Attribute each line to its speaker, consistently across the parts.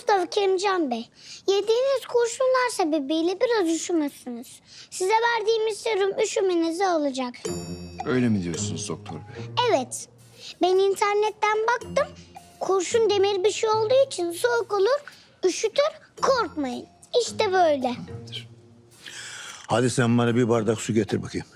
Speaker 1: Mustafa Kerimcan Bey, yediğiniz kurşunlar sebebiyle biraz üşümüşsünüz. Size verdiğimiz serum üşümenizi alacak.
Speaker 2: Öyle mi diyorsunuz doktor bey?
Speaker 1: Evet, ben internetten baktım. Kurşun demir bir şey olduğu için soğuk olur, üşütür, korkmayın. İşte böyle.
Speaker 3: Hadi sen bana bir bardak su getir bakayım.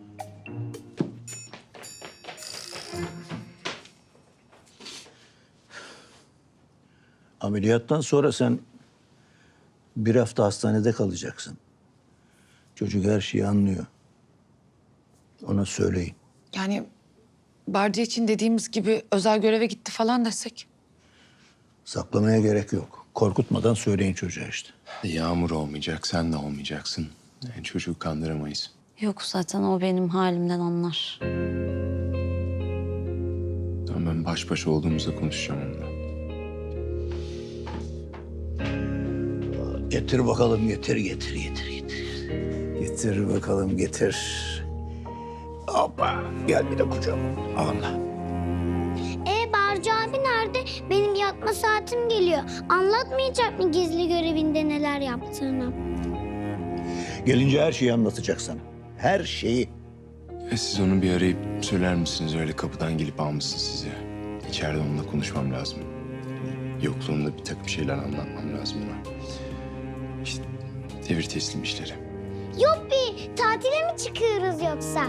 Speaker 3: Ameliyattan sonra sen bir hafta hastanede kalacaksın. Çocuk her şeyi anlıyor. Ona söyleyin.
Speaker 4: Yani Barca için dediğimiz gibi özel göreve gitti falan desek.
Speaker 3: Saklamaya gerek yok. Korkutmadan söyleyin çocuğa işte.
Speaker 2: Yağmur olmayacak, sen de olmayacaksın. Yani çocuğu kandıramayız.
Speaker 5: Yok zaten o benim halimden anlar.
Speaker 2: Tamam, ben baş başa olduğumuzda konuşacağım onunla.
Speaker 3: Getir bakalım, getir. Getir bakalım, getir. Hoppa, gel bir de kucağıma. Allah.
Speaker 1: Barcı abi nerede? Benim yatma saatim geliyor. Anlatmayacak mı gizli görevinde neler yaptığını?
Speaker 3: Gelince her şeyi anlatacak sana. Her şeyi.
Speaker 2: Siz onu bir arayıp söyler misiniz? Öyle kapıdan gelip almışsın sizi. İçeride onunla konuşmam lazım. Yokluğumda bir takım şeyler anlatmam lazım ona. İşte devir teslim işleri.
Speaker 1: Yuppi, tatile mi çıkıyoruz yoksa?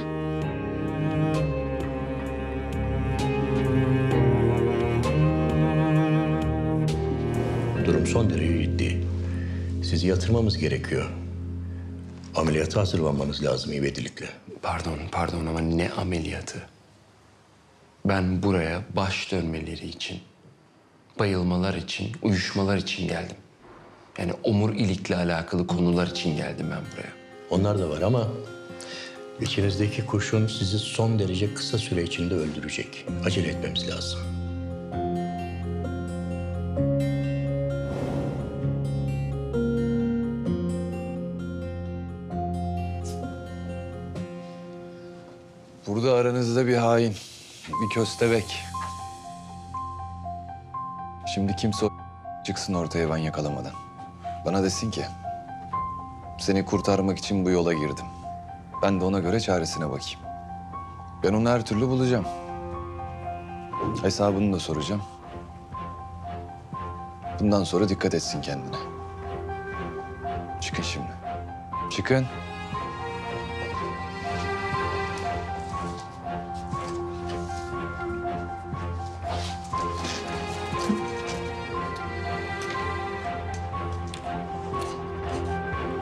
Speaker 6: Durum son derece ciddi. Sizi yatırmamız gerekiyor. Ameliyata hazırlanmanız lazım ivedilikle.
Speaker 2: Pardon ama ne ameliyatı? Ben buraya baş dönmeleri için, bayılmalar için, uyuşmalar için geldim. Yani omurilikle alakalı konular için geldim ben buraya.
Speaker 6: Onlar da var ama içinizdeki kurşun sizi son derece kısa süre içinde öldürecek. Acele etmemiz lazım.
Speaker 7: Burada aranızda bir hain, bir köstebek. Şimdi kimse çıksın ortaya ben yakalamadan. Bana desin ki, seni kurtarmak için bu yola girdim. Ben de ona göre çaresine bakayım. Ben onu her türlü bulacağım. Hesabını da soracağım. Bundan sonra dikkat etsin kendine. Çıkın şimdi. Çıkın.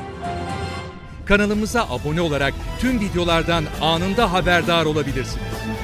Speaker 8: Kanalımıza abone olarak tüm videolardan anında haberdar olabilirsiniz.